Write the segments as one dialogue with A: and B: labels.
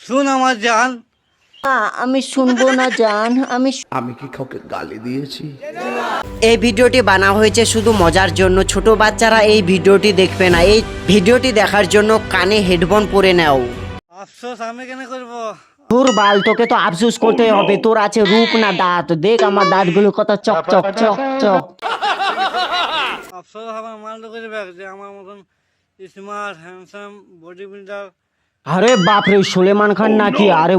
A: শুন আমার জান।
B: আমি শুনবো না জান।
C: আমি কি কাউকে গালি দিয়েছি?
B: এই ভিডিওটি বানা হয়েছে শুধু মজার জন্য। ছোট বাচ্চারা এই ভিডিওটি দেখবে না। এই ভিডিওটি দেখার জন্য কানে হেডফোন পরে নাও।
A: আফসোস আমি কেন করব?
B: তোর বাল, তোকে তো আফসোস করতে হবে। তোর আছে রূপ না দাঁত? দেখ আমার দাঁতগুলো কত চক চক চক চক।
A: আফসোস আমার মালটা করবে যে আমার মতন স্মার্ট হ্যান্ডসাম বডি বিল্ডার
B: আরে বাপ রে, সুলেমান খান নাকি? আরে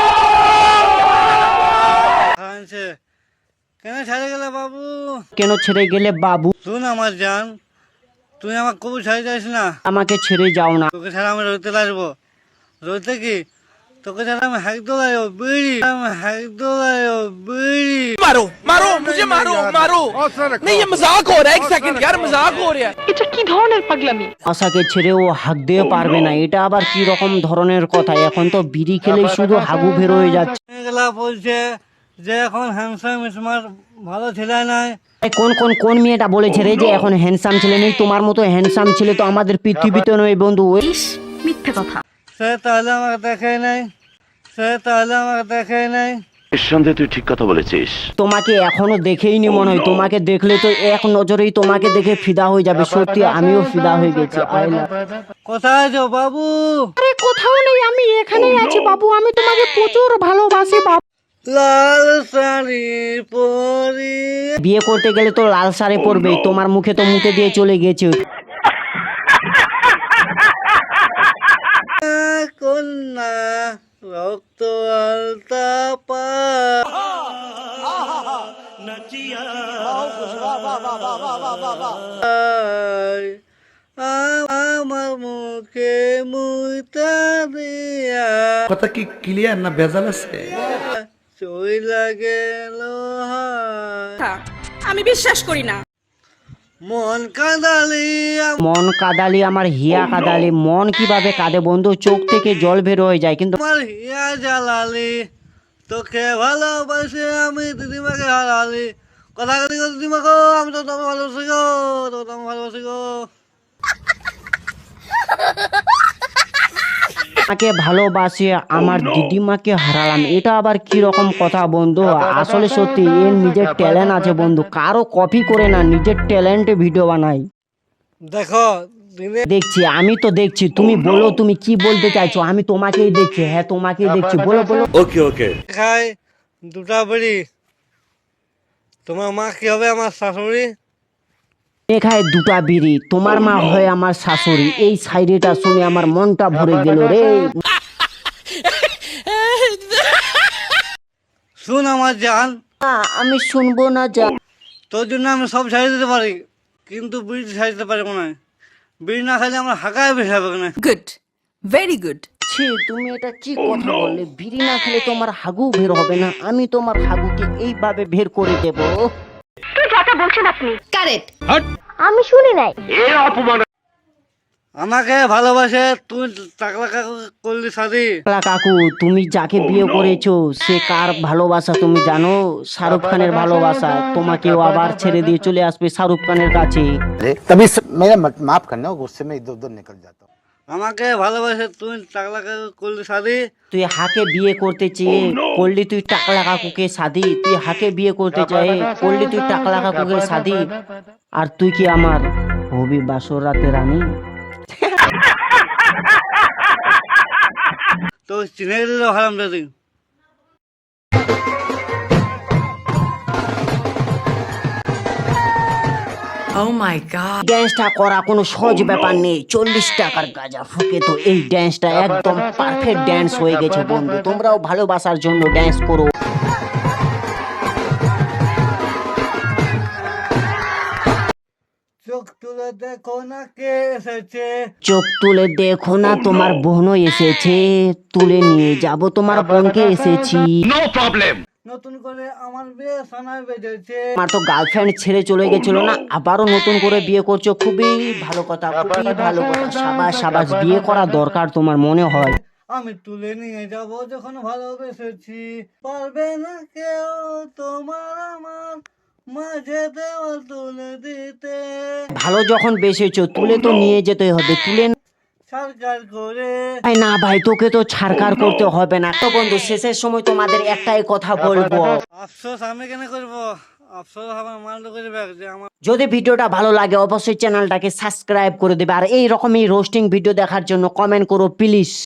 A: খাইছে কেন ছেড়ে গেলে বাবু?
B: কেন ছেড়ে গেলে বাবু?
A: শুন আমার জান, তুই আমার কবু ছেড়ে যাস না।
B: আমাকে ছেড়ে যাও না।
A: তোকে ছাড়া আমি রইতে লাগবো। রইতে কি তোকে ছাড়া আমি হাঁকতে লাগবো বিড়ি, আমি হাঁকতে লাগবো বিড়ি।
D: मारो मारो मुझे मारो मारो नहीं ये मजाक हो रहा है। एक सेकंड यार मजाक हो रहा है।
E: এটা কি ধরনের পাগলামি?
B: আশাকে ছেড়ে ও হাঁক দিয়ে পারবে না, এটা আবার কি রকম ধরনের কথা? এখন তো বিড়ি খেলে শুধু হাগু বের হয়ে যাচ্ছে।
A: এগুলা বলছে যে এখন হ্যান্ডসাম স্মার্ট ভালো ছেলে নাই।
B: কোন মেয়েটা বলেছে রে যে এখন হ্যান্ডসাম ছেলে নেই? তোমার মতো হ্যান্ডসাম ছেলে তো আমাদের পৃথিবীতে নয় বন্ধু।
E: ইস, মিথ্যে কথা।
A: সে তাহলে আমাকে দেখে নাই, সে তাহলে আমাকে দেখে নাই।
C: নিঃসন্দেহে তুই ঠিক কথা বলেছিস।
B: তোমাকে এখনো দেখেইনি মনে হয়। তোমাকে দেখলে তো এক নজরেই তোমাকে দেখে ফিদা হয়ে যাবে। সত্যি আমিও ফিদা হয়ে গেছি।
A: কোথায় আছো বাবু?
B: আরে কোথাও নেই, আমি এখানেই আছি বাবু। আমি তোমাকে প্রচুর ভালোবাসি বাবু।
A: লাল শাড়ি পরি
B: বিয়ে করতে গেলে তো লাল শাড়ি পরবে। তোমার মুখে তো মুখে দিয়ে চলে গেছে।
A: কন্যা রক্ত আলতা পা আমার মুখে মুইতা দিয়া
C: কথা কি ক্লিয়ার না ভেজাল আছে?
A: চইলা গেল
E: আমি বিশ্বাস করি না।
A: মন কাঁদালি
B: মন কাদালি আমার হিয়া কাদালি। মন কিভাবে কাঁদে বন্ধু? চোখ থেকে জল বের হয়ে যায়। কিন্তু
A: আমার হিয়া জ্বালালি, তোকে ভালোবাসে আমি দিদিমাকে হারালি। কথা কাটি গো দিদিমাকে, আমি তো তোমাকে ভালোবাসি গো, তো তোমাকে ভালোবাসি গো।
B: আমাকে ভালোবাসে আমার দিদিমাকে হারালাম, এটা আবার কি রকম কথা বন্ধু? আসলে সত্যি এর নিজের ট্যালেন্ট আছে বন্ধু। কারো কপি করে না, নিজের ট্যালেন্টে ভিডিও বানাই।
A: দেখো দিনে
B: দেখছি, আমি তো দেখছি। তুমি বলো তুমি কি বলতে চাইছো? আমি তোমাকেই দেখছি। হ্যাঁ তোমাকেই দেখছি। বলো বলো।
C: ওকে ওকে।
A: খাই দুটা বেড়ি। তোমার মা কি হবে? আমার শাশুড়ি।
B: খায় দুটা বিড়ি, তোমার মা হয় আমার শাশুড়ি। এই সাইডেটা শুনে আমার মনটা ভরে গেল রে।
A: শুন আমার জান,
B: আমি শুনবো না যা।
A: তোর জন্য আমি সব ছাড়িয়ে দিতে পারি, কিন্তু বিড়ি ছাড়িয়ে দিতে পারবো না। বিড়ি না খাইলে আমার হাঁকায় বেশি হবে না।
E: Good, very good.
B: ছি, তুমি এটা কি কথা বললে? বিড়ি না খেলে তোমার হাগু বের হবে না? আমি তোমার হাগুকে এইভাবে বের করে দেব।
E: কারেক্ট।
F: আমি শুনি নাই।
A: আমাকে ভালোবাসে তুই টাকলা কাকু করলি শাদি।
B: কাকু, তুমি যাকে বিয়ে করেছো সে কার ভালোবাসা তুমি জানো? শাহরুখ খানের ভালোবাসা। তোমাকেও আবার ছেড়ে দিয়ে চলে আসবে শাহরুখ খানের কাছে।
G: तभी मेरा माफ करना, गुस्से में इधर उधर निकल जाता हूँ।
A: আমাকে ভালোবাসে তুই টাকলা কাকু করলি শাদি।
B: তুই হাকে বিয়ে করতে চেয়ে করলি তুই টাকলা কাকুকে শাদি। তুই হাকে বিয়ে করতে চাই করলি তুই টাকলা কাকুকে শাদি। আর তুই কি আমার হবি বাসর রাতে রানী?
A: তো চিনে দিল হারাম দাদি।
E: ও মাই গড।
B: ড্যান্সটা করা কোনো সহজ ব্যাপার নেই। 40 টাকার গাঁজা ফুকে তো এই ড্যান্সটা একদম পারফেক্ট ড্যান্স হয়ে গেছে বন্ধু। তোমরাও ভালোবাসার জন্য ড্যান্স করো।
A: চোখ তুলে দেখো না কে এসেছে।
B: চোখ তুলে দেখো না তোমার বোনও এসেছে। তুলে নিয়ে যাব তোমার বোনকে এসেছি।
A: নতুন করে আমার বিয়ে সোনায় বেজেছে।
B: আমার তো গার্লফ্রেন্ড ছেড়ে চলে গেছিল না, আবারও নতুন করে বিয়ে করছো। খুবই ভালো কথা, খুবই ভালো কথা। সাবাস সাবাস, বিয়ে করা দরকার তোমার মনে হয়।
A: আমি তুলে নিয়ে যাব যখন ভালোবেসেছি। পারবে না কেউ তোমার আমার মাঝে দেওয়াল তুলে দিতে।
B: ভালো যখন বেসেছো তুলে তো নিয়ে যেতে হবে। তুলে
A: সরকার করে।
B: ভাই না ভাই, তোকে তো ছাড়কার করতে হবে না তো বন্ধু, শেষের সময় তোমাদের একটাই কথা বলবো,
A: আফসোস আমি কেন করবো, আফসোস আমার মাল করবে যে আমার
B: যদি ভিডিওটা ভালো লাগে অবশ্যই চ্যানেলটাকে সাবস্ক্রাইব করে দেবে, আর এই রকমই রোস্টিং ভিডিও দেখার জন্য কমেন্ট করো প্লিজ।